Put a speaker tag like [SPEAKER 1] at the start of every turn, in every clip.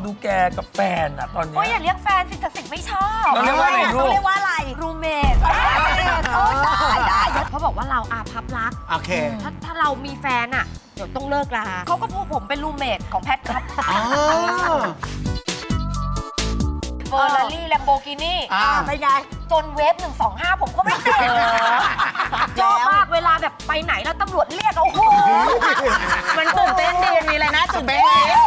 [SPEAKER 1] ดูแกกับแฟนอะตอนนี้
[SPEAKER 2] โอ้ยอย่าเรียกแฟนสิศักดิ์สิทธิ์ไม่ชอบ
[SPEAKER 1] เราเรียกว่าอะไรลูก
[SPEAKER 3] เรียกว่าอะไร
[SPEAKER 2] รูเมทได้เขาบอกว่าเราอาภัพรัก
[SPEAKER 4] โอเค
[SPEAKER 2] ถ้าเรามีแฟนอ่ะเดี๋ยวต้องเลิกลาเขาก็พูดผมเป็นรูเมทของแพทครับ
[SPEAKER 4] อ๋อ
[SPEAKER 2] เฟอร์รารี่แลมโบกินี่
[SPEAKER 3] ไปไง
[SPEAKER 2] จนเวฟ125 ผมก็ไม่ติดชอบมากเวลาแบบไปไหนแล้วตำรวจเรียกโอ้โห
[SPEAKER 3] มันตื่นเต้นดีมีอะไรนะตื่นเต้น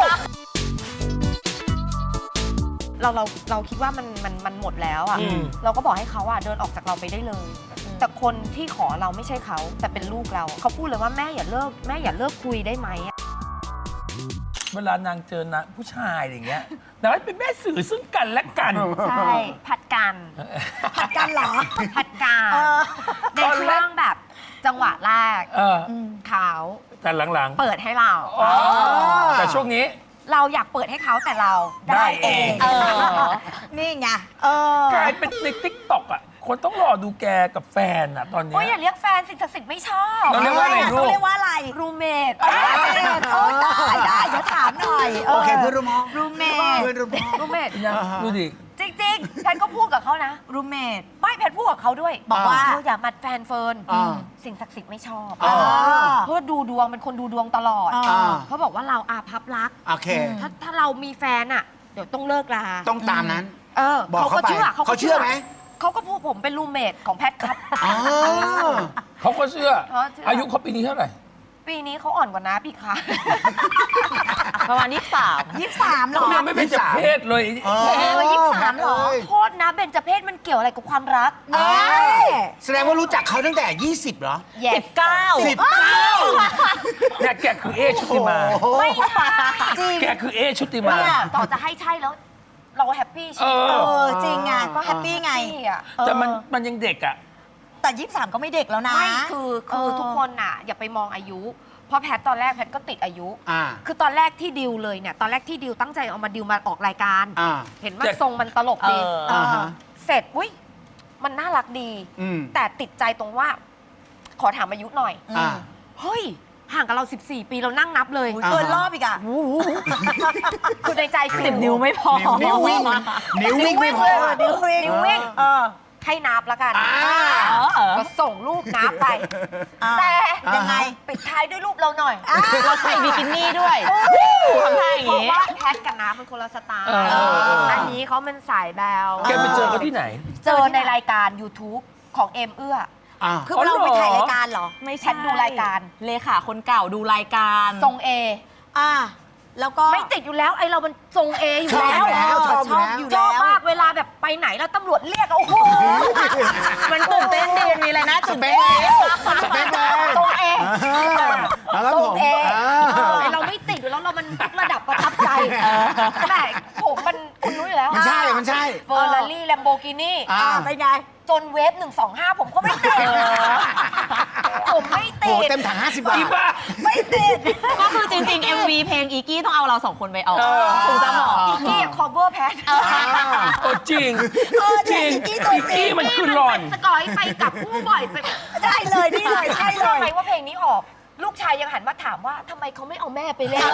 [SPEAKER 2] เราคิดว่ามันหมดแล้วอ่ะ เราก็บอกให้เขาอ่ะเดินออกจากเราไปได้เลย แต่คนที่ขอเราไม่ใช่เขาแต่เป็นลูกเราเขาพูดเลยว่าแม่อย่าเลิกคุยได้ไหม
[SPEAKER 1] เวลานางเจอนะผู้ชายอย่างเงี้ยนางเป็นแม่สื่อซึ่งกันและกัน
[SPEAKER 2] ใช่ผัดกัน
[SPEAKER 3] ผัดกันเหรอ
[SPEAKER 2] ผัดกันในช่วงแบบจังหวะแรก เขา
[SPEAKER 1] แต่หลัง
[SPEAKER 2] เปิดให้เรา
[SPEAKER 1] ๆอ๋อแต่ช่วงนี้
[SPEAKER 2] เราอยากเปิดให้เขาแต่เราได้เอง
[SPEAKER 3] นี่ไง
[SPEAKER 1] กลายเป็นในติ๊กต็อกอะคนต้องรอดูแกกับแฟนอะตอนนี้
[SPEAKER 2] โอ้ยอย่าเรียกแฟนสิศักดิ์สิทธิ์ไม่ชอบ
[SPEAKER 1] เราเรียกว่าอะไรลูก
[SPEAKER 3] เรียกว่าอะไร
[SPEAKER 2] รูเมท
[SPEAKER 3] ได้เดี๋ยวถามหน่อย
[SPEAKER 4] โอเคเพื่อนร่วมห้อง
[SPEAKER 3] รูเมท
[SPEAKER 4] เพื่อนร่วมห้อง
[SPEAKER 2] รูเมท
[SPEAKER 1] ยังดูดิ
[SPEAKER 2] จริงๆแพทก็พูดกับเขานะ
[SPEAKER 3] รูเมท
[SPEAKER 2] ไม่แพทพูดกับเขาด้วย
[SPEAKER 3] บอกว่า
[SPEAKER 2] เธออย่ามัดแฟนเฟิร์น
[SPEAKER 4] อ่า
[SPEAKER 2] สิ่งศักดิ์สิทธิ์ไม่ชอบ
[SPEAKER 4] อ่า
[SPEAKER 2] เพราะว่าดูดวงเป็นคนดูดวงตลอด
[SPEAKER 3] อ่า
[SPEAKER 2] เขาบอกว่าเราอาภัพรัก
[SPEAKER 4] โอเค
[SPEAKER 2] ถ้าเรามีแฟนอ่ะ เดี๋ยวต้องเลิกลา
[SPEAKER 4] ต้องตามนั้น บอก
[SPEAKER 2] เขา
[SPEAKER 4] เขา
[SPEAKER 2] ก็
[SPEAKER 4] ไป
[SPEAKER 2] เชื่อ
[SPEAKER 4] เขาเชื่อไหม
[SPEAKER 2] เขาก็พูดผมเป็นรูเมทของแพทครับ
[SPEAKER 4] อ๋อ
[SPEAKER 1] เขาก็เชื่อ
[SPEAKER 2] เขาเชื่ออ
[SPEAKER 1] อายุเขาปีนี้เท่าไหร่
[SPEAKER 2] ปีนี้เขาอ่อนกว่าน้าพี่คะ
[SPEAKER 3] ประมาณ23เหรอ
[SPEAKER 1] เขายังไม่เป็นจะเพศเลย
[SPEAKER 2] 23เหรอ โทษนะเบญจเพศมันเกี่ยวอะไรกับความรัก
[SPEAKER 4] แสดงว่ารู้จักเขาตั้งแต่ 20เหรอ
[SPEAKER 2] 19
[SPEAKER 1] เนี่ยแกคือเอชุติมา
[SPEAKER 2] ไม่ใช่
[SPEAKER 1] แกคือเอชุติมา
[SPEAKER 2] เนี่ยต่อจะให้ใช่แล้ว เราแฮปปี้ใช่ไหม
[SPEAKER 3] จริงไงก็แฮปปี้ไง
[SPEAKER 2] แฮปปี้อะ
[SPEAKER 1] แต่มันยังเด็กอ่ะ
[SPEAKER 3] แต่23ก็ไม่เด็กแล้วนะ
[SPEAKER 2] ไม่คือทุกคนน่ะ อย่าไปมองอายุ เพราะแพทตอนแรกแพทก็ติดอายุ คือตอนแรกที่ดิวเลยเนี่ย ตอนแรกที่ดิวตั้งใจเอามาดิวมาออกรายการ เห็นว่า
[SPEAKER 1] แต่
[SPEAKER 2] ทรงมันตลกดี
[SPEAKER 4] ฮะ
[SPEAKER 2] เสร็จอุ้ยมันน่ารักดี แต่ติดใจตรงว่า ขอถามอายุหน่อย เฮ้ย ห่างกับเรา 14 ปีเรานั่งนับเลย
[SPEAKER 3] เกินรอบอีกอ่ะ
[SPEAKER 2] คือในใจคือ
[SPEAKER 3] 10 นิ้วไม่พอ
[SPEAKER 4] นิ้ววิ่งไม่พอ
[SPEAKER 3] นิ้ววิ่ง
[SPEAKER 2] นิ้ววิ่งให้นับแล้วกันก็ส่งรูปนับไป แต่ยังไงปิดท้ายด้วยรูปเราหน่อย
[SPEAKER 3] เราใส่บิกินี่ด้วยทำท่าอย่าง
[SPEAKER 2] เพราะ
[SPEAKER 3] นี้
[SPEAKER 2] ว่าแพทกับน้ำเป็นคนละสไตล์อันนี้เขาเป็นสายแบว
[SPEAKER 1] แกไปเจอเขาที่ไหน
[SPEAKER 2] เจอในรายการ YouTube ของเอ็มเอื้อ
[SPEAKER 3] คือเราไปถ่ายรายการเหรอ
[SPEAKER 2] ไม่แพทดูรายการ
[SPEAKER 5] เลขาคนเก่าดูรายการ
[SPEAKER 2] ทรงเอ
[SPEAKER 3] แล้วก็
[SPEAKER 2] ไม่ติดอยู่แล้วไอเรามันทรงเออยู่แล้ว
[SPEAKER 4] ชอบอยู่แล้ว
[SPEAKER 2] ชอบมากเวลาแบบไปไหนแล้วตำรวจเรียกโอ้โห
[SPEAKER 3] มันตื่นเต้นดีมีอะไรนะตื่นเต้น
[SPEAKER 4] สเปคเลย
[SPEAKER 2] ทรงเอ
[SPEAKER 4] แล้ว
[SPEAKER 2] ท
[SPEAKER 4] ผ
[SPEAKER 2] รง
[SPEAKER 4] ม
[SPEAKER 2] เอไอเราไม่ติดอยู่แล้วเรามันระดับประทับใจแต่ผมมันคุณรู้อยู่แล้ว
[SPEAKER 4] มันใช่ มันใช่
[SPEAKER 2] เฟอร์รารี่แลมโบกินี่
[SPEAKER 3] ไปไง
[SPEAKER 2] จนเวฟ125 ผมก็ไม่ติดผมไม่
[SPEAKER 4] โห
[SPEAKER 2] ติด
[SPEAKER 4] เต็มถัง50 บาท
[SPEAKER 1] อีบ้า
[SPEAKER 3] ไม่ติด
[SPEAKER 5] ก็คือจริงๆ MV เพลงอีกี้ต้องเอาเราสองคนไปออกถึงจะเหมาะ
[SPEAKER 2] อีกกี้คอเวอร์แพท
[SPEAKER 1] โอ้จริงจริง
[SPEAKER 3] อีกกี้ตัวจริง
[SPEAKER 1] อีกกี้มันคือหลอน
[SPEAKER 2] สกอยไปกับผู้บ่อยไป
[SPEAKER 3] ได้เลยนี่เลยใช่เล
[SPEAKER 2] เชื่อย ไหมว่าเพลงนี้ออก ลูกชายยังหันมาถามว่าทำไมเขาไม่เอาแม่ไปเล่น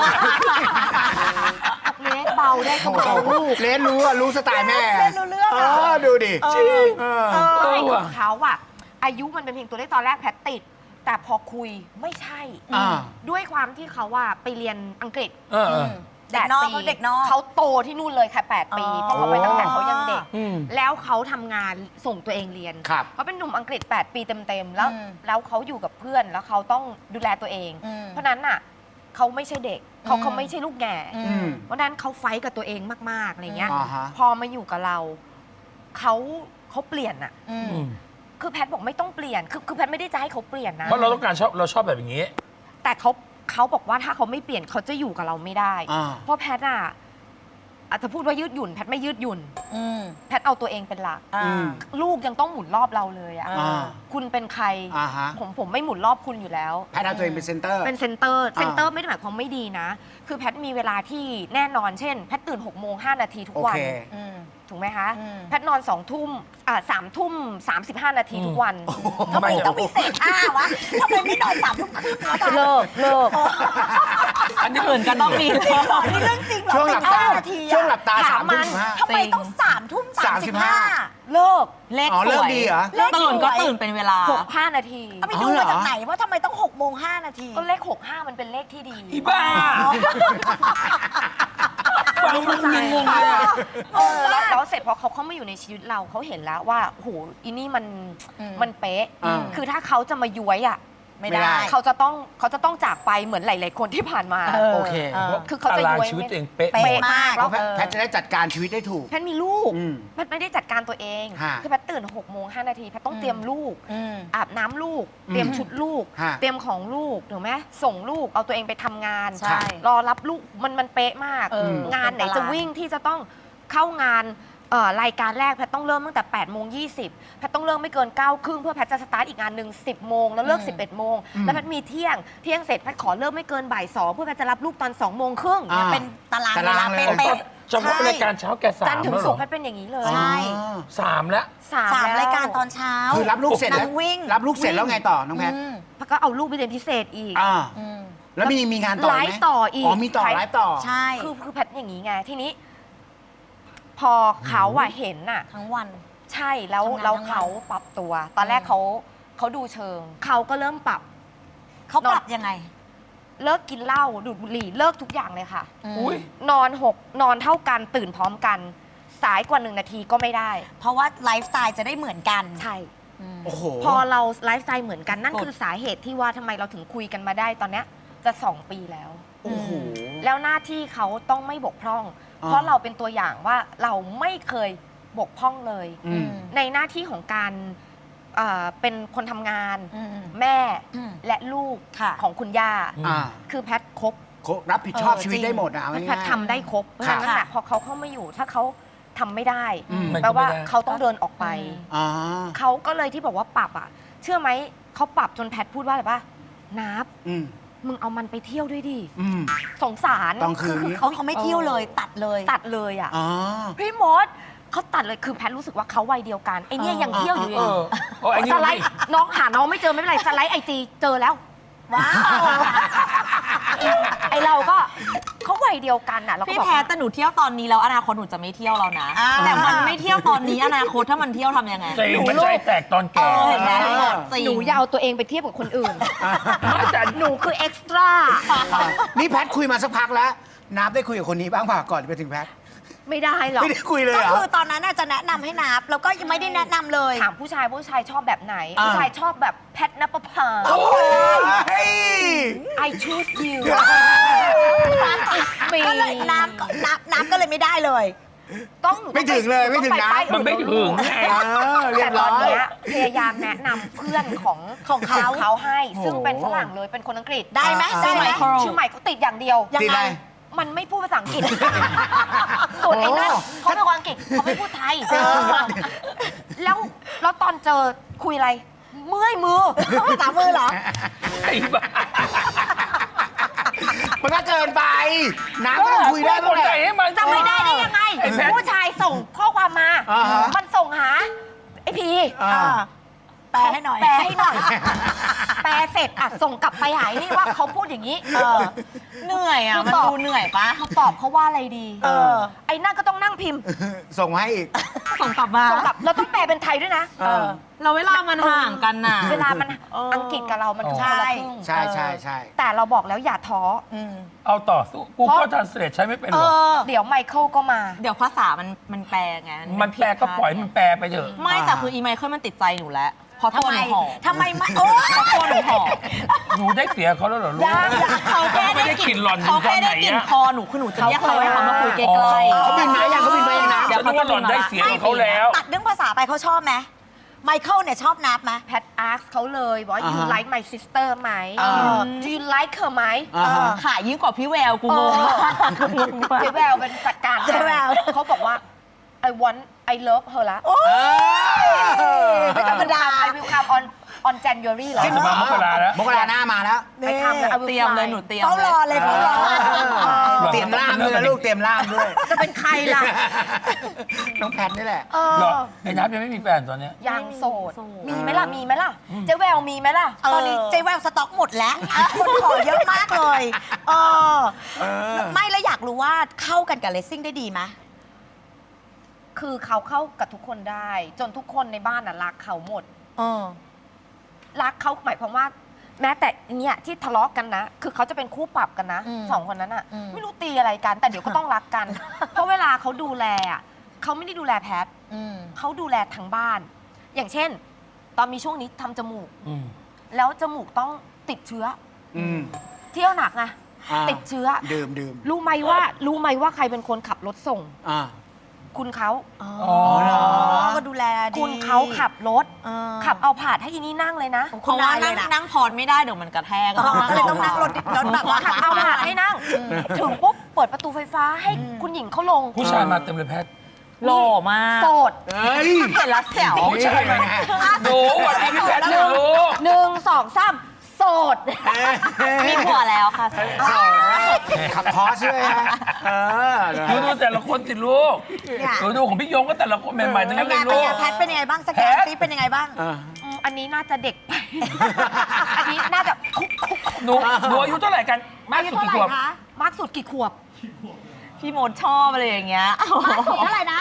[SPEAKER 2] เลสเบาได้ก็เบาลูก
[SPEAKER 4] เลนรู้สไตล์แม่
[SPEAKER 3] เล่นรู้เรื่องอะ
[SPEAKER 4] ดูดิ
[SPEAKER 1] จริง
[SPEAKER 2] ไม่ของเขาอะอายุมันเป็นเพียงตัวเลขตอนแรกแพทติด แต่พอคุยไม่ใช่ ด้วยความที่เขาว่าไปเรียนอังกฤษ
[SPEAKER 3] เด็กนอกเขาเด็กนอก
[SPEAKER 2] เขาโตที่นู่นเลยค่ะ8 ปี เพราะเขาไปตั้งแต่เขายังเด็ก
[SPEAKER 1] อืม
[SPEAKER 2] แล้วเขาทำงานส่งตัวเองเรียน
[SPEAKER 4] ครับ
[SPEAKER 2] เขาเป็นหนุ่มอังกฤษ 8 ปีเต็มๆ แล้วเขาอยู่กับเพื่อนแล้วเขาต้องดูแลตัวเอง เพราะนั้นน่ะเขาไม่ใช่เด็กเขาไม่ใช่ลูกแง่ เพราะนั้นเขาไฟท์กับตัวเองมากๆอะไรเงี้ย พอมาอยู่กับเราเขาเปลี่ยนอะคือแพทบอกไม่ต้องเปลี่ยนคือแพทไม่ได้จะให้เขาเปลี่ยนนะ
[SPEAKER 1] เพราะเราต้องการเราชอบแบบอย่างนี้
[SPEAKER 2] แต่เขาบอกว่าถ้าเขาไม่เปลี่ยนเขาจะอยู่กับเราไม่ได้ เพราะแพทอะอาจจะพูดว่ายืดหยุ่นแพทไม่ยืดหยุ่นแพทเอาตัวเองเป็นหลักลูกยังต้องหมุนรอบเราเลยอะคุณเป็นใครผมไม่หมุนรอบคุณอยู่แล้ว
[SPEAKER 4] แพทย์เอาตัวเองเป็นเซนเตอร์
[SPEAKER 2] เป็นเซนเตอร์ไม่ได้หมายความไม่ดีนะ คือแพทมีเวลาที่แน่นอนเช่น แพทตื่น6:05 นาทีทุกวัน ถูกไหมคะ แพทนอน2 ทุ่ม3 ทุ่ม 35 นาทีทุกวัน
[SPEAKER 1] ทำไม
[SPEAKER 3] ต้องมีเศษวะทำไมไม่นอน3 ทุ่มครึ่งวะ
[SPEAKER 2] เลิก
[SPEAKER 1] อันนี้
[SPEAKER 5] อื่นก็ต้องมีเลย
[SPEAKER 3] นี่เรื่องจริงเหรอ
[SPEAKER 4] ช่วงหลับตา
[SPEAKER 3] 15 นาทีอะ
[SPEAKER 4] ช่วงหลับตา
[SPEAKER 2] ถามมัน
[SPEAKER 4] 3 ทุ่ม
[SPEAKER 3] ทำไมต้อง3 ทุ่ม 35
[SPEAKER 2] เลิก
[SPEAKER 5] เลข
[SPEAKER 4] อ๋อ
[SPEAKER 5] ส
[SPEAKER 4] เลิ
[SPEAKER 5] ว
[SPEAKER 4] ก
[SPEAKER 5] ย
[SPEAKER 4] ดีเหรอ
[SPEAKER 3] เลขสวย
[SPEAKER 5] ตื่นก็ตื่นเป็นเวลา
[SPEAKER 2] 6-5 นาที
[SPEAKER 3] เอาไปดูมาจากไหนว่าทำไมต้อง6 โมง 5 นาที
[SPEAKER 2] ก็เลข 65 มันเป็นเลขที่ดี
[SPEAKER 1] อีบ้าฟังมันงงๆเลยอะ
[SPEAKER 2] แล้วเสร็จพอเขาเข้ามาอยู่ในชีวิตเราเขาเห็นแล้วว่าโหอีนี่มันเป๊ะ
[SPEAKER 4] อ่า
[SPEAKER 2] คือถ้าเขาจะมาย้วยอ่ะ
[SPEAKER 3] ไม่ได้
[SPEAKER 2] เขาจะต้องจากไปเหมือนหลาย ๆ คนที่ผ่านมา
[SPEAKER 4] โอเค
[SPEAKER 2] คือเขาจะ
[SPEAKER 1] ตาราง
[SPEAKER 2] ย้วย
[SPEAKER 1] ชีวิต
[SPEAKER 2] ไม่
[SPEAKER 1] ตัวเองเป๊ะ
[SPEAKER 3] เป๊ะ
[SPEAKER 2] เป๊ะมาก
[SPEAKER 4] เพ
[SPEAKER 2] แล้ว
[SPEAKER 4] ราะแพทย์จะได้จัดการชีวิตได้ถูก
[SPEAKER 2] แพทย์มีลูก
[SPEAKER 4] อืม
[SPEAKER 2] แพทย์ไม่ได้จัดการตัวเอง
[SPEAKER 4] ฮะ
[SPEAKER 2] คือแพทย์ตื่น6 โมง 5 นาทีแพทย์ต้องเตรียมลูก อาบน้ำลูก เตรียมชุดลูก
[SPEAKER 4] ฮะ
[SPEAKER 2] เตรียมของลูกถูกไหมส่งลูกเอาตัวเองไปทำงาน
[SPEAKER 3] ใช่
[SPEAKER 2] รอรับลูกมันเป๊ะมาก งานไหนจะวิ่งที่จะต้องเข้างานรายการแรกแพทย์ต้องเริ่มตั้งแต่8 โมง 20แพทย์ต้องเริ่มไม่เกิน9 ครึ่งเพื่อแพทย์จะสตาร์ทอีกงานหนึ่ง10 โมงแล้วเลิก 11 โมงแล้วแพทย์มีเที่ยงเสร็จแพทย์ขอเริ่มไม่เกินบ่าย 2เพื่อแพทย์จะรับลูกตอน2 โมงครึ่ง
[SPEAKER 4] อ่า
[SPEAKER 3] เป็นตาราง
[SPEAKER 4] ตา
[SPEAKER 3] เว
[SPEAKER 4] รา
[SPEAKER 3] ลาง
[SPEAKER 4] เลย
[SPEAKER 3] เป๊ะ
[SPEAKER 1] เฉพาะรายการเช้าแกสา
[SPEAKER 2] จัน
[SPEAKER 1] ม
[SPEAKER 2] ทร์ถึง
[SPEAKER 1] แล้วเหร
[SPEAKER 2] ศุ
[SPEAKER 1] อก
[SPEAKER 2] ร์แพทย์เป็นอย่างนี้เลย
[SPEAKER 3] ใช่
[SPEAKER 1] 3แล้ว
[SPEAKER 3] ๆ3 รายการตอนเช้า
[SPEAKER 4] คือรับลูกเสร็จแล้ว
[SPEAKER 3] นั่งวิ่ง
[SPEAKER 4] รับลูกเสร็จแล้วไงต่อน้องแพทย์
[SPEAKER 2] แพทย์ก็เอาลูกไปเรียนพิเศษอีก
[SPEAKER 4] อ่า
[SPEAKER 3] อืม
[SPEAKER 4] แล้วมีงานต่อไหม
[SPEAKER 2] ไลฟ์ต่ออีก
[SPEAKER 4] มีต่อไลฟ์ต่อ
[SPEAKER 3] ใช่
[SPEAKER 2] คือแพทย์อย่างนี้ไงทีนี้ พอเขาเห็นน่ะ
[SPEAKER 3] ทั้งวัน
[SPEAKER 2] ใช่แล้ว
[SPEAKER 3] ทำงาน
[SPEAKER 2] แล้ว
[SPEAKER 3] ทั้งวัน
[SPEAKER 2] เขาปรับตัว ตอนแรกเขาดูเชิง เขาก็เริ่มปรับ
[SPEAKER 3] เขาปรับยังไง
[SPEAKER 2] เลิกกินเหล้าดูดบุหรี่เลิกทุกอย่างเลยค่ะ
[SPEAKER 1] อุ้ย
[SPEAKER 2] นอนเท่ากันตื่นพร้อมกัน สายกว่า1 นาทีก็ไม่ได้
[SPEAKER 3] เพราะว่าไลฟ์สไตล์จะได้เหมือนกัน
[SPEAKER 2] ใช่
[SPEAKER 4] โอ้โห
[SPEAKER 2] พอเราไลฟ์สไตล์เหมือนกันนั่นคือสาเหตุที่ว่าทำไมเราถึงคุยกันมาได้ตอนเนี้ยจะ2 ปีแล้ว
[SPEAKER 4] โอ้โห
[SPEAKER 2] แล้วหน้าที่เขาต้องไม่บกพร่อง
[SPEAKER 4] อ่า
[SPEAKER 2] เพราะเราเป็นตัวอย่างว่าเราไม่เคยบกพร่องเลย
[SPEAKER 4] อืม
[SPEAKER 2] ในหน้าที่ของการเป็นคนทำงาน
[SPEAKER 3] อืม
[SPEAKER 2] แม่
[SPEAKER 3] อืม
[SPEAKER 2] และลูก
[SPEAKER 3] ค่ะ
[SPEAKER 2] ของคุณย่า
[SPEAKER 4] อ่า
[SPEAKER 2] คือแพทครบ
[SPEAKER 4] รับผิดชอบ
[SPEAKER 3] เออ
[SPEAKER 4] ชีวิต
[SPEAKER 3] จริง
[SPEAKER 4] ได้หมดอ่ะเอา
[SPEAKER 2] แพ
[SPEAKER 4] ง่า
[SPEAKER 2] ท
[SPEAKER 4] ย
[SPEAKER 2] ทำได้ครบเพราะฉะนั้น
[SPEAKER 3] ค่ะ
[SPEAKER 2] น่ะพอเขาเข้ามาอยู่ถ้าเขาทำไม่ได้
[SPEAKER 4] อืม
[SPEAKER 1] มัน
[SPEAKER 2] แปล
[SPEAKER 1] ก็
[SPEAKER 2] ว่า
[SPEAKER 1] ไม่ได้
[SPEAKER 2] เขาต้องเดินออกไป
[SPEAKER 4] ๆอ่า
[SPEAKER 2] เขาก็เลยที่บอกว่าปรับอ่ะ เชื่อไหมเขาปรับจนแพทพูดว่าอะไรป่ะนับ
[SPEAKER 4] อืม
[SPEAKER 2] มึงเอามันไปเที่ยวด้วยดิ
[SPEAKER 4] อืม
[SPEAKER 2] สงสาร
[SPEAKER 4] ตอนคืน
[SPEAKER 3] เขาไม่เที่ยวเลยตัดเลย
[SPEAKER 2] ตัดเลยอ่ะ
[SPEAKER 4] อ๋อ
[SPEAKER 2] พี่มดเขาตัดเลยคือแพทรู้สึกว่าเขาวัยเดียวกันไอเนี่ยยังเที่ยวอยู่เล
[SPEAKER 1] เอย อโอ้ไอ้นี่
[SPEAKER 2] สไลด์น้องหาน้องไม่เจอไม่เป็นไรสไลด์IG เจอแล้ว
[SPEAKER 3] ว้าว
[SPEAKER 2] ไอเราก็เขาวัยเดียวกันอ่ะเราก็
[SPEAKER 5] พี่
[SPEAKER 2] บอก
[SPEAKER 5] แพ้
[SPEAKER 2] ว่า
[SPEAKER 5] แต่หนูเที่ยวตอนนี้แล้วอนาคตหนูจะไม่เที่ยวแล้วนะ แต่มันไม่เที่ยวตอนนี้อนาคตถ้ามันเที่ยวทำยังไง
[SPEAKER 1] ใจมันใจแตกตอนแก่
[SPEAKER 5] เห็นไหมจริง
[SPEAKER 2] หนูอย่าเอาตัวเองไปเทียบกับคนอื่น
[SPEAKER 1] แต่
[SPEAKER 2] หนูคือเอ็กซ์ตร้า
[SPEAKER 4] นี่แพทคุยมาสักพักแล้วนับได้คุยกับคนนี้บ้างป่ะก่อนจะไปถึงแพท
[SPEAKER 2] ไม่ได้หรอก
[SPEAKER 4] ไม่ได้คุยเลย
[SPEAKER 3] ก็
[SPEAKER 4] เหรอ
[SPEAKER 3] คือตอนนั้นน่ะจะแนะนำให้นับ แล้วก็ยังไม่ได้แนะนำเลย
[SPEAKER 2] ถามผู้ชายชอบแบบไหน
[SPEAKER 4] อ่า
[SPEAKER 2] ผู้ชายชอบแบบแพทนปภา
[SPEAKER 4] โอ้ย
[SPEAKER 2] I choose you
[SPEAKER 3] ก็เลยน้ำก็เลยไม่ได้เลย
[SPEAKER 2] ต้องหนู
[SPEAKER 4] ไม่ถึงเลยไม่ถึงนะ
[SPEAKER 2] ต้องปป้าย
[SPEAKER 1] มันไม่
[SPEAKER 2] อื่
[SPEAKER 1] ถึงไง
[SPEAKER 4] เรีย
[SPEAKER 2] แต่
[SPEAKER 4] บ
[SPEAKER 2] ต
[SPEAKER 4] ร้
[SPEAKER 2] อ
[SPEAKER 4] อน ย
[SPEAKER 2] เนี้ยพยายามแนะนำเพื่อนของเขาให้ ซึ่งเป็นฝรั่งเลยเป็นคนอังกฤษ
[SPEAKER 3] ได้ไหม
[SPEAKER 4] อ่า
[SPEAKER 3] ได้ไหม
[SPEAKER 2] ชื่อใหม่เขาติดอย่างเดียว
[SPEAKER 3] ยัง
[SPEAKER 4] ติด
[SPEAKER 3] ไง
[SPEAKER 4] อะไร
[SPEAKER 2] มันไม่พูดภาษาอังกฤษ ส่วนไอ้นั่น
[SPEAKER 4] โอ้
[SPEAKER 2] เขาเป็นคนอังกฤษเขาไม่พูดไทย แล้วตอนเจอคุยอะไร เมื่อยมือ
[SPEAKER 3] ต้องภาษามือเหรอ
[SPEAKER 1] ไอ้บ้า
[SPEAKER 4] มันก็เกินไปน้ำก็ต้องคุยได้บ้างแห
[SPEAKER 1] ใจ
[SPEAKER 4] ละ
[SPEAKER 1] ให้มัน
[SPEAKER 2] จะไม่ได้ได้ยังไง
[SPEAKER 1] ไอ้แพท
[SPEAKER 2] ผู้ชายส่งข้อความมา
[SPEAKER 4] อ่าฮะ
[SPEAKER 2] มันส่งหาไอพี
[SPEAKER 4] อ่า
[SPEAKER 3] แปลให้หน่อย
[SPEAKER 2] แปลให้หน่อย แปลเสร็จอ่ะส่งกลับไปหายนี่ว่าเขาพูดอย่างนี้
[SPEAKER 5] เหนื่อยอ่ะ มันดูเหนื่อยปะ
[SPEAKER 2] เขาตอบเขาว่าอะไรดี ไอ้นั่นก็ต้องนั่งพิมพ์
[SPEAKER 4] ส่งมาให้อีก
[SPEAKER 5] ส่งกลับมา
[SPEAKER 2] ส่งกลับเราต้องแปลเป็นไทยด้วยนะ
[SPEAKER 5] เราเวลามันห่างกันน่ะ
[SPEAKER 2] เวลามันอังกฤษกับเรามันคนละครึ่ง
[SPEAKER 4] ใช่ใช่ใช่
[SPEAKER 2] แต่เราบอกแล้วอย่าท้อ
[SPEAKER 1] เอาต่อสู้กูก็ทานเสร็จใช้ไม่เป็นหรอก
[SPEAKER 2] เดี๋ยวไมเคิลก็มา
[SPEAKER 5] เดี๋ยวภาษามันแปลไง
[SPEAKER 1] มันแปลก็ปล่อยมันแปลไปเถอะ
[SPEAKER 5] ไม่แต่คืออีไมเคิลมันติดใจหนูแล้วเพราะ
[SPEAKER 3] ทำ
[SPEAKER 5] ตัว
[SPEAKER 3] ไม
[SPEAKER 5] หนูหอม
[SPEAKER 3] ทำไมไม่โอ้
[SPEAKER 5] เพราะตัวหนูหอม
[SPEAKER 1] หนูได้เสียเขาแล้วเหรอลูก
[SPEAKER 5] เขาแค่
[SPEAKER 1] ไม่
[SPEAKER 5] ได้
[SPEAKER 1] ได้
[SPEAKER 5] ก
[SPEAKER 1] ก
[SPEAKER 5] ลิ่
[SPEAKER 1] ลิ่
[SPEAKER 5] น
[SPEAKER 1] นหล่อน
[SPEAKER 5] เขาแค่ได้
[SPEAKER 1] ตอนไหน
[SPEAKER 5] กลิ่น
[SPEAKER 1] อะ
[SPEAKER 5] คอหนูคือหนูจะเรียกเขาให้เขามาคุยใกล้
[SPEAKER 1] อ๋อ
[SPEAKER 5] ๆ
[SPEAKER 4] เขาบินมายังเขาบินไปยังนะ
[SPEAKER 1] เดี๋ยวเขาจะหล่อนได้เสียงของเขาแล้ว
[SPEAKER 3] ตัดเรื่องภาษาไปเขาชอบไหมไมเคิลเนี่ยชอบนับไหม
[SPEAKER 2] แพทอาร์เขาเลยบอกว่า you
[SPEAKER 4] อ่าฮะ
[SPEAKER 2] like my sister ไหม do you like her ไหม
[SPEAKER 4] อ่าฮะ
[SPEAKER 5] ขายยิ่งกว่าพี่แววกูงงมากงงมาก
[SPEAKER 2] เจ๊แววเป็นจัดการ
[SPEAKER 3] เจ๊แวว
[SPEAKER 2] เขาบอกว่า I love her ละ
[SPEAKER 3] ไม่ธรรมดา
[SPEAKER 2] I will come on on January เหรอ
[SPEAKER 1] สิ้นมามกราแล้ว
[SPEAKER 4] มกราหน้ามาแล้ว
[SPEAKER 2] ไปทำเลย I will
[SPEAKER 5] เตรียมเลย
[SPEAKER 2] fly
[SPEAKER 5] หนูเตรียม
[SPEAKER 3] เขารอเลยเขารอ
[SPEAKER 4] เตรียมล่ามด้วยนะลูกเตรียมล่ามด้วย
[SPEAKER 2] จะเป็นใครล่ะ
[SPEAKER 4] น้องแพทนี่แหละ
[SPEAKER 2] เอ
[SPEAKER 1] เหรอ
[SPEAKER 2] อ
[SPEAKER 1] ไอ้นับยังไม่มีแฟนตอนเนี้ย
[SPEAKER 2] ยังโสด
[SPEAKER 5] โสด
[SPEAKER 2] มีไหมล่ะ มีไหมล่ะ เจ๊แววมีไหมล่ะ
[SPEAKER 3] ตอนนี้เจ๊แววสต็อกหมดแล้ว คนขอเยอะมากเลยเออไม่แล้วอยากรู้ว่าเข้ากันกับเลสซิ่งได้ดีไหม
[SPEAKER 2] คือเขาเข้ากับทุกคนได้ จนทุกคนในบ้านน่ะรักเขาหมด
[SPEAKER 3] เออ
[SPEAKER 2] รักเขาหมายความว่า แม้แต่เนี่ยที่ทะเลาะกันนะ คือเขาจะเป็นคู่ปรับกันนะ
[SPEAKER 3] อืม
[SPEAKER 2] สองคนนั้นอ่ะ
[SPEAKER 3] อืม
[SPEAKER 2] ไม่รู้ตีอะไรกัน แต่เดี๋ยวก็ต้องรักกัน เพราะเวลาเขาดูแลอ่ะเขาไม่ได้ดูแลแพท
[SPEAKER 3] อืม
[SPEAKER 2] เขาดูแลทั้งบ้าน อย่างเช่น ตอนมีช่วงนี้ทำจมูก
[SPEAKER 1] อืม
[SPEAKER 2] แล้วจมูกต้องติดเชื้อ
[SPEAKER 4] อืม
[SPEAKER 2] เที่ยวหนักไง
[SPEAKER 4] อ่า
[SPEAKER 2] ติดเชื้อ
[SPEAKER 4] ดื่ม
[SPEAKER 2] รู้ไหมว่าใครเป็นคนขับรถส่ง
[SPEAKER 4] อ่า
[SPEAKER 2] คุณเขา
[SPEAKER 3] อ๋อ
[SPEAKER 4] เหรอ
[SPEAKER 3] ก็ดูแลดี
[SPEAKER 2] คุณเขาขับรถ
[SPEAKER 3] เออ
[SPEAKER 2] ขับเอาผาดให้อีนี่นั่งเลยนะ
[SPEAKER 5] เพราะว่านั่งพอดไม่ได้เดี๋ยวมันกระแทก
[SPEAKER 3] อ๋อก็เลยต้องนั่งรถแบบว่า
[SPEAKER 2] ขับเอาผาดให้นั่ง ถึงปุ๊บเปิดประตูไฟฟ้าให้คุณหญิงเขาลง
[SPEAKER 1] ผู้ชายมาเต็มเลยแพท
[SPEAKER 5] หล่อมาก
[SPEAKER 2] โสด
[SPEAKER 4] เฮ้ย
[SPEAKER 5] เห็นแล้วแจ๋ว
[SPEAKER 1] ผู้ชายมาไงหนูสวันนี้พี่แพทย์เนี่ยลูก
[SPEAKER 2] 1 2 3 โสด
[SPEAKER 5] มีผัวแล้วค่ะ
[SPEAKER 4] ขับพอสด้วยฮะ
[SPEAKER 1] ดูแต่ละคนสิลูก
[SPEAKER 3] เนี่ย
[SPEAKER 1] ดูของพี่ยงก็แต่ละคนใหม่ๆทั้ง
[SPEAKER 3] เป็
[SPEAKER 1] นั้น น
[SPEAKER 3] ไง
[SPEAKER 1] เลย
[SPEAKER 3] เป็น
[SPEAKER 1] ลู
[SPEAKER 3] ไง
[SPEAKER 1] ก
[SPEAKER 3] แพทเป็นยังไงบ้างสแกน
[SPEAKER 1] แพท
[SPEAKER 3] ซิเป็นยังไงบ้าง
[SPEAKER 2] อันนี้น่าจะเด็กไป อันนี้น่าจะคุก
[SPEAKER 1] หนูอายุเท่าไหร่กัน มากสุดกี่ขวบ
[SPEAKER 2] มากสุดกี่ขวบ
[SPEAKER 5] พี่มดชอบอะไรอย่างเงี้ย
[SPEAKER 3] เท่าไหร่นะ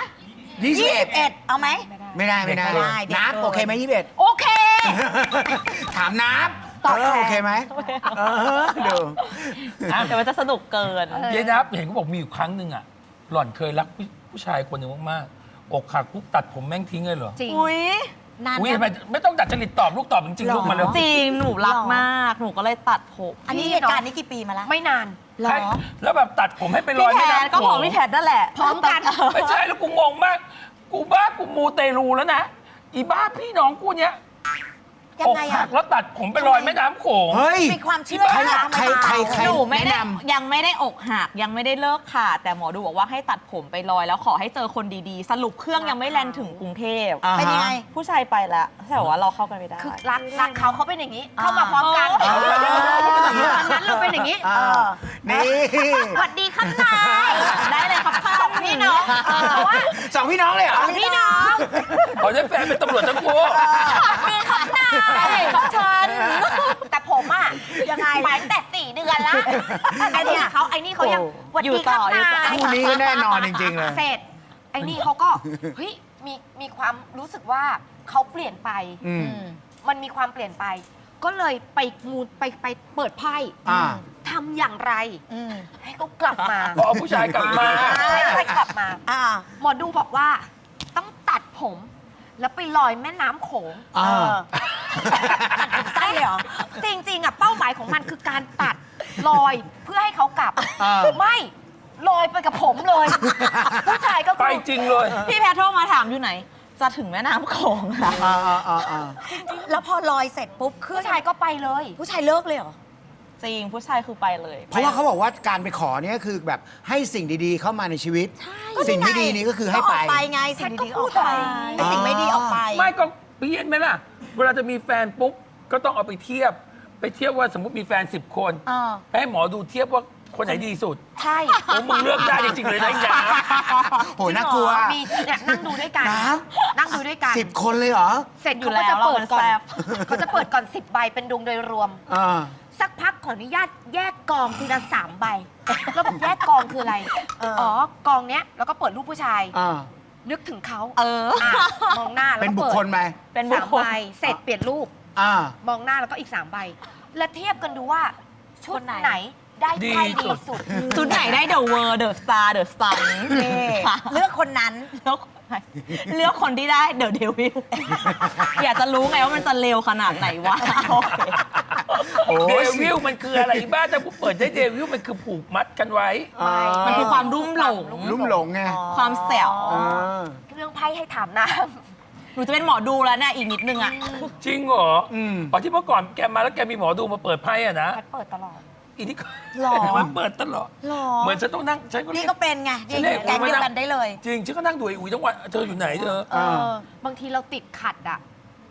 [SPEAKER 4] 21
[SPEAKER 3] 21เอาไหม
[SPEAKER 4] ไม่ได้
[SPEAKER 3] เด็ก
[SPEAKER 4] นับ
[SPEAKER 3] เกิน
[SPEAKER 4] โอเคไหม21
[SPEAKER 2] โอเค
[SPEAKER 4] ถามนับ
[SPEAKER 2] ตอบแทน
[SPEAKER 4] โอเคไหมดู
[SPEAKER 5] แต่มันจะสนุกเกิน
[SPEAKER 1] เยนับเห็นเขาบอกมีอยู่ครั้งหนึ่งอ่ะ หล่อนเคยรักผู้ชายคนหนึ่งมากๆอกหักปุ๊บตัดผมแม่งทิ้งเลยเหรอ
[SPEAKER 2] จริง
[SPEAKER 5] อุ้ย
[SPEAKER 3] นาน
[SPEAKER 1] อุ้ย
[SPEAKER 3] ยั
[SPEAKER 1] ทำ
[SPEAKER 3] ง
[SPEAKER 1] ไมไม่ต้องดัดจริตตอบลูกตอบจริงๆลูกมาเร็ว
[SPEAKER 5] จริง หนูรักมาก หนูก็เลยตัดผม
[SPEAKER 3] อันนี้เหตุการณ์นี้กี่ปีมาแล้ว
[SPEAKER 2] ไม่นาน
[SPEAKER 3] หรอ
[SPEAKER 1] ให้แล้วแบบตัดผมให้ไปลอย
[SPEAKER 5] พี่แพ
[SPEAKER 1] แม่
[SPEAKER 5] ท
[SPEAKER 1] น้ำ
[SPEAKER 5] ก็
[SPEAKER 1] โข
[SPEAKER 5] ของ
[SPEAKER 1] ง
[SPEAKER 5] พี่แพทนั่นแหละ
[SPEAKER 2] พร้อมกัน
[SPEAKER 1] ไม่ใช่แล้วกูงงมาก กูบ้ากูมูเตลูแล้วนะ อีบ้าพี่น้องกูเนี้ย
[SPEAKER 3] ยัง
[SPEAKER 1] อก
[SPEAKER 3] ไง
[SPEAKER 1] หั
[SPEAKER 3] อะ
[SPEAKER 1] กแล้วตัดผมไปลอยแม่น้ำโขง
[SPEAKER 4] เฮ้ย
[SPEAKER 3] มีความเชื่อ
[SPEAKER 4] ใคร
[SPEAKER 3] ทำไม
[SPEAKER 4] ใคร
[SPEAKER 3] เปล่า
[SPEAKER 4] ใคร
[SPEAKER 5] หนูไม่
[SPEAKER 4] แนะ
[SPEAKER 5] ได้
[SPEAKER 4] นำ
[SPEAKER 5] ยังไม่ได้อกหักยังไม่ได้เลิกขาดแต่หมอดูบอกว่าให้ตัดผมไปลอยแล้วขอให้เจอคนดีๆ สรุปเครื่องยังไม่แลนถึงกรุงเทพ
[SPEAKER 4] อ่าฮะ
[SPEAKER 3] เป็นยังไง
[SPEAKER 5] ผู้ชายไปแล้วแต่ว่าเราเข้ากันไม่ได้
[SPEAKER 2] คือรักเขาเป็นอย่างนี้ เข้ามาพร้อมกัน
[SPEAKER 4] อ๋อ
[SPEAKER 2] ตอนนั้นเราเป็นอย่างนี้
[SPEAKER 4] นี่
[SPEAKER 2] สวัสดีครับนาย
[SPEAKER 5] ได้เลยครับ
[SPEAKER 2] สองพี่น้องเพราะว่า
[SPEAKER 4] สองพี่น้องเลยเหรอ
[SPEAKER 2] พี่น้อง
[SPEAKER 1] ขอได้แฟนเป็นตำรวจทั้งคู่
[SPEAKER 2] สวัสดีครับนายของฉันแต่ผมอ่ะ
[SPEAKER 3] ยังไง
[SPEAKER 2] ไปตั้งแต่4 เดือนละไอ้นี่เขายังสวัสดีครับนาย
[SPEAKER 4] คู่นี้ก็แน่นอนจริงๆเลย
[SPEAKER 2] เสร็จไอ้นี่เขาก็เฮ้ยมีความรู้สึกว่าเขาเปลี่ยนไป
[SPEAKER 4] อืม
[SPEAKER 2] มันมีความเปลี่ยนไป ก็เลยไปเปิดไพ่
[SPEAKER 4] อ่า
[SPEAKER 2] ทำอย่างไร
[SPEAKER 3] อืม
[SPEAKER 2] ให้เขากลับมา
[SPEAKER 1] พอเอาผู้ชายกลับมา
[SPEAKER 2] ให้กลับมา
[SPEAKER 3] อ่า
[SPEAKER 2] หมอดูบอกว่าต้องตัดผม แล้วไปลอยแม่น้ำโขง
[SPEAKER 4] อ่า
[SPEAKER 2] ใช่เหรอ จริงๆอ่ะเป้าหมายของมันคือการตัดลอยเพื่อให้เขากลับ ไม่ลอยไปกับผมเลย ผู้ชายก็
[SPEAKER 1] ไป
[SPEAKER 2] คือ
[SPEAKER 1] จริงเลย
[SPEAKER 5] พี่แพทโทรมาถามอยู่ไหน จะถึงแม่น้ำโขงค่ะ
[SPEAKER 3] แล้วพอลอยเสร็จปุ๊บเครื่อ
[SPEAKER 2] ผู้
[SPEAKER 3] ง
[SPEAKER 2] ชายก็ไปเลย
[SPEAKER 3] ผู้ชายเลิกเลยเหรอ
[SPEAKER 5] จริงผู้ชายคือไปเลย
[SPEAKER 4] เพราะว่าเขาบอกว่าการไปขอเนี่ยคือแบบให้สิ่งดีๆเข้ามาในชีวิต สิ่งไม่ดีนี่ก็คือให้ไป
[SPEAKER 3] ก็ออกไปไงสิ่งดีๆก็ออกไปไอ้สิ่งไม่ดีออกไป
[SPEAKER 1] ไม่ก็เปลี่ยนไหมล่ะ เวลาจะมีแฟนปุ๊บ ก็ต้องเอาไปเทียบว่าสมมติมีแฟน 10 คน
[SPEAKER 3] เออ
[SPEAKER 1] ให้หมอดูเทียบว่าคนไหนดีสุด
[SPEAKER 2] ใช่
[SPEAKER 1] โอ้มึงเลือกได้จริงๆเลยนะอีกนะ
[SPEAKER 4] โหน่ากลัว
[SPEAKER 2] มีเนี่ยนั่งดูด้วยกัน
[SPEAKER 4] น้
[SPEAKER 2] นั่งดูด้วยกัน
[SPEAKER 4] 10 คนเลยเหรอ
[SPEAKER 2] เสร็จ
[SPEAKER 5] อยู่
[SPEAKER 2] เขาก็จะ
[SPEAKER 5] แล้ว
[SPEAKER 2] เปิดก่อน
[SPEAKER 5] เรามันแซ่บ
[SPEAKER 2] เขาจะเปิดก่อน 10 ใบเป็นดวงโดยรวม
[SPEAKER 4] อ่า
[SPEAKER 2] สักพักขออนุญาตแยกกองทีละ3 ใบ แล้วแบบแยกกองคืออะไร อ๋อกองเนี้ยแล้วก็เปิดรูปผู้ชาย
[SPEAKER 4] อ่า
[SPEAKER 2] นึกถึงเขา
[SPEAKER 5] เออ
[SPEAKER 2] ะมองหน้าแล้ว
[SPEAKER 4] เป็น
[SPEAKER 2] ก็
[SPEAKER 4] บุค
[SPEAKER 2] เปิด
[SPEAKER 4] คลไหม
[SPEAKER 5] เป็นบุค
[SPEAKER 2] 3
[SPEAKER 5] คล
[SPEAKER 2] ใบ เสร็จเปลี่ยนรูป
[SPEAKER 4] อ่า
[SPEAKER 2] มองหน้าแล้วก็อีก 3 ใบ แล้วเทียบกันดูว่าชุด
[SPEAKER 5] คนไหน
[SPEAKER 2] ไหนได้ไพ่
[SPEAKER 1] ดี
[SPEAKER 2] ดี
[SPEAKER 1] สุด
[SPEAKER 2] สุด
[SPEAKER 5] ชุดไหนได้เดอะเวอร์เดอะสตาร์เดอะซัน
[SPEAKER 3] เลือกคนนั้น
[SPEAKER 5] เลือกคนที่ได้เดอะเดวิลอยากจะรู้ไงว่ามันจะเร็วขนาดไหนวะโอเค
[SPEAKER 4] โอ้
[SPEAKER 1] เด
[SPEAKER 4] ย
[SPEAKER 1] วิลมันคืออะไรบ้างแต่กูเปิดได้เดวิลมันคือผูกมัดกันไว้
[SPEAKER 4] อ่า
[SPEAKER 5] มันคือความรุ่มหลง
[SPEAKER 4] ลุ่มหลงไง
[SPEAKER 5] ความแสว
[SPEAKER 4] อ่า
[SPEAKER 2] เรื่องไพ่ให้ถามน้
[SPEAKER 5] หนูจะเป็นหมอดูแล้วเนี่ยอีกนิดนึงอ่ะ
[SPEAKER 1] จริงเหรอ
[SPEAKER 4] อืม
[SPEAKER 1] อ๋อที่เมื่อก่อนแกมาแล้วแกมีหมอดูมาเปิดไพ่อะนะ
[SPEAKER 2] ำแพทเปิดตลอด
[SPEAKER 1] อีนี่ก็
[SPEAKER 3] หรอ
[SPEAKER 1] มันเปิดตลอด
[SPEAKER 3] หรอ
[SPEAKER 1] เหมือนฉันต้องนั่งฉันก็
[SPEAKER 3] นี่
[SPEAKER 1] เรียก
[SPEAKER 3] ก็เป็นไง
[SPEAKER 1] ฉันเรียก
[SPEAKER 3] แก๊งเดียวกันได้เลย
[SPEAKER 1] จริงฉันก็นั่งดูไอ้อุ๋ยทั้งวันเธออยู่ไหนเธอ
[SPEAKER 3] เออ
[SPEAKER 2] บางทีเราติดขัดอ่ะ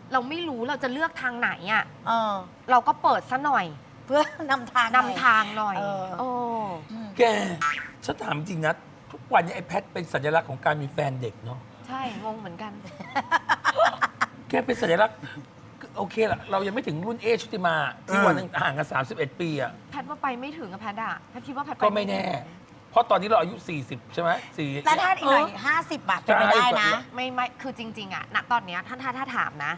[SPEAKER 2] เราไม่รู้เราจะเลือกทางไหนอ่ะ
[SPEAKER 3] เออ
[SPEAKER 2] เราก็เปิดซะหน่อย
[SPEAKER 3] เพื่อนำทาง
[SPEAKER 2] นำทางหน่อย
[SPEAKER 3] เออ
[SPEAKER 2] โอ้
[SPEAKER 1] แกฉันถามจริงนะ ทุกวันนี้ไอ้แพทเป็นสัญลักษณ์ของการมีแฟนเด็กเนาะ
[SPEAKER 2] ใช่งงเหมือนกัน
[SPEAKER 1] แกเป็นสัญลักษณ์โอเคละเรายังไม่ถึงรุ่นเอชุติมาที่วันหนึงห่างกัน31 ปีอะ
[SPEAKER 2] แพทย์ว่าไปไม่ถึงอะแพทย์อะแพทย์คิดว่าแพทย์ป
[SPEAKER 1] ก็ไม่แน่ เพราะตอนนี้เราอายุ 40 ใช่ไหมสี่
[SPEAKER 3] แล้วถ้าอีกหน่อย50 บาทเป็นไปได้นะ
[SPEAKER 2] ไม่คือจริง ๆอะณตอนเนี้ยถ้าถามนะ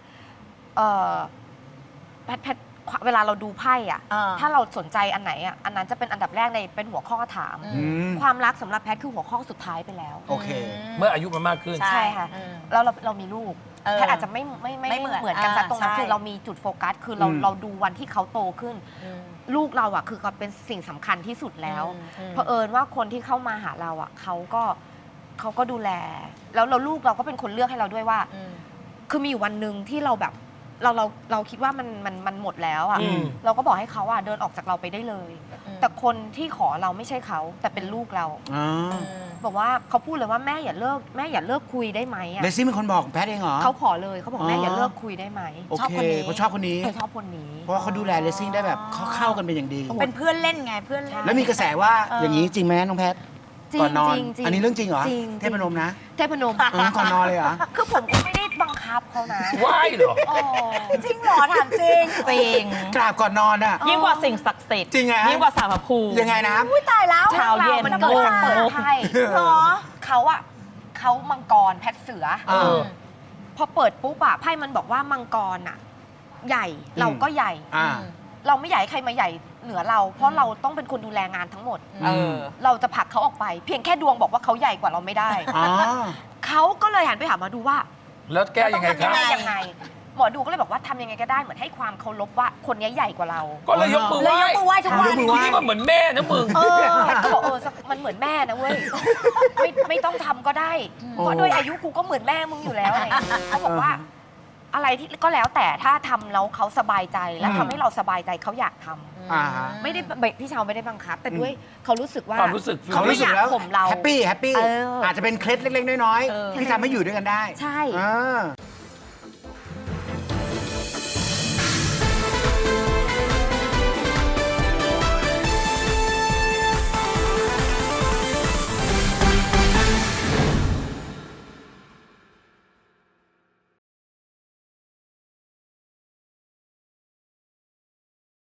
[SPEAKER 2] แพทย์เวลาเราดูไพ่อะ
[SPEAKER 3] อ่า
[SPEAKER 2] ถ้าเราสนใจอันไหนอะอันนั้นจะเป็นอันดับแรกในเป็นหัวข้อถาม
[SPEAKER 4] อืม
[SPEAKER 2] ความรักสำหรับแพทย์คือหัวข้อสุดท้ายไปแล้ว
[SPEAKER 4] โอเค
[SPEAKER 1] เมื่ออายุมันมากขึ้น
[SPEAKER 3] ใช่
[SPEAKER 2] ใช่ค่ะ
[SPEAKER 3] อืม
[SPEAKER 2] แล้วเรามีลูก
[SPEAKER 3] เออ
[SPEAKER 2] แพทย์อาจจะไม่
[SPEAKER 3] ไม่เหมือน
[SPEAKER 2] กันสักตรงนั้น
[SPEAKER 3] ใช่
[SPEAKER 2] คือเรามีจุดโฟกัสคือเรา
[SPEAKER 4] อืม
[SPEAKER 2] เราดูวันที่เขาโตขึ้น
[SPEAKER 3] อืม
[SPEAKER 2] ลูกเราอ่ะคือก็เป็นสิ่งสำคัญที่สุดแล้ว
[SPEAKER 3] อืม
[SPEAKER 2] เผอิญว่าคนที่เข้ามาหาเราอ่ะเขาก็ดูแล แล้วลูกเราก็เป็นคนเลือกให้เราด้วยว่า
[SPEAKER 3] อืม
[SPEAKER 2] คือมีอยู่วันหนึ่งที่เราแบบเราคิดว่ามันหมดแล้วอ่ะ
[SPEAKER 1] อืม
[SPEAKER 2] เราก็บอกให้เขาอ่ะเดินออกจากเราไปได้เลย
[SPEAKER 3] อืม
[SPEAKER 2] แต่คนที่ขอเราไม่ใช่เขาแต่เป็นลูกเรา
[SPEAKER 4] อ๋อ
[SPEAKER 2] บอกว่าเขาพูดเลยว่าแม่อย่าเลิกคุยได้ไหมอ่ะ
[SPEAKER 4] เลซี่เป็นคนบอกแพทย์เองเหรอ
[SPEAKER 2] เขาขอเลยเขาบอกแม่
[SPEAKER 4] อ๋อ
[SPEAKER 2] อ
[SPEAKER 4] อ
[SPEAKER 2] ย่าเลิกคุยได้ไหม
[SPEAKER 4] โอ
[SPEAKER 3] ชอบ
[SPEAKER 4] เค
[SPEAKER 3] คนนี้
[SPEAKER 4] เพราะชอบคนนี้
[SPEAKER 2] เขาชอบคนนี้
[SPEAKER 4] เพราะว่าเขาดูแลเลซี่ได้แบบเข้ากันเป็นอย่างดี
[SPEAKER 3] เป็นเพื่อนเล่นไงเพื่อนเล่น
[SPEAKER 4] แล้วมีกระแสว่า
[SPEAKER 3] เออ
[SPEAKER 4] อ
[SPEAKER 3] อ
[SPEAKER 4] ย่างนี้จริงไหมน้องแพทย์
[SPEAKER 2] จริง
[SPEAKER 4] ก่อนนอน
[SPEAKER 2] จริงจริง
[SPEAKER 4] อันนี้เรื่องจริงเหรอ
[SPEAKER 2] จริง
[SPEAKER 4] เทพนมนะ
[SPEAKER 2] เทพนม
[SPEAKER 4] ก่อนนอนเลยเหรอ
[SPEAKER 2] คือผมก็ไม่ได้บังคับเขานะ
[SPEAKER 1] ว่ายเหรอ
[SPEAKER 2] โอ้
[SPEAKER 3] จริงเหรอถามจริง
[SPEAKER 5] จริง
[SPEAKER 4] กราบก่อนนอนอ่ะ
[SPEAKER 5] ยิ่งกว่าสิ่งศักดิ์สิทธิ์
[SPEAKER 4] จริงไงฮะ
[SPEAKER 5] ยิ่งกว่าสารพระภูมิ
[SPEAKER 4] ยังไงนะ
[SPEAKER 3] อุ้ยตายแล้ว
[SPEAKER 5] เช้าเย็น
[SPEAKER 2] มันเกิดจากเปิดไพ่
[SPEAKER 3] เหรอ
[SPEAKER 2] เขามังกรแพทย์เสือ
[SPEAKER 4] เออ
[SPEAKER 2] พอเปิดปุ๊บอะไพ่มันบอกว่ามังกรอะใหญ่เราก็ใหญ่
[SPEAKER 4] อ่า
[SPEAKER 2] เราไม่อยากให้ใครมาใหญ่เหนือเรา เพราะเราต้องเป็นคนดูแลงานทั้งหมด
[SPEAKER 5] เออ
[SPEAKER 2] เราจะผลักเขาออกไป เพียงแค่ดวงบอกว่าเขาใหญ่กว่าเราไม่ได้
[SPEAKER 4] อ๋อ
[SPEAKER 2] เขาก็เลยหันไปหาหมาดูว่า
[SPEAKER 1] แล้วแก้ยังไง
[SPEAKER 2] ต้อง
[SPEAKER 1] ค
[SPEAKER 2] ทำ
[SPEAKER 1] รับ
[SPEAKER 2] ยังไงหมอดูก็เลยบอกว่าทำยังไงก็ได้เหมือนให้ความเคารพว่าคนนี้ใหญ่กว่าเรา
[SPEAKER 1] ก็เลยยกมือไห
[SPEAKER 3] เลย
[SPEAKER 1] ว้
[SPEAKER 3] ยกมือไหว้ทุกวัน
[SPEAKER 4] ยกมือไหว้
[SPEAKER 1] นี่มันเหมือนแม่นะมึง
[SPEAKER 2] แพทย์ก็บอกมันเหมือนแม่นะเว้ยไม่ต้องทำก็ได้เพราะด้วยอายุกูก็เหมือนแม่มึงอยู่แล้วอะไรอย่างเงี้ยเขาบอกว่า อะไรที่ก็แล้วแต่ถ้าทำแล้วเขาสบายใจและทำให้เราสบายใจเขาอยากทำ
[SPEAKER 4] อ่าฮะ
[SPEAKER 2] ไม่ได้พี่เชาไม่ได้บังคับ แต่ด้วยเขารู้สึกว่า
[SPEAKER 1] ความรู้สึก
[SPEAKER 2] เขาไม่อยาก
[SPEAKER 4] แล้ว
[SPEAKER 2] ข่มเรา
[SPEAKER 4] แฮปปี้
[SPEAKER 2] เอออ
[SPEAKER 4] อาจจะเป็นเคล็ดเล็กๆ น้อย
[SPEAKER 2] เออ
[SPEAKER 4] ๆ ที่ทำให้อยู่ด้วยกันได้
[SPEAKER 2] ใช่
[SPEAKER 4] อ่า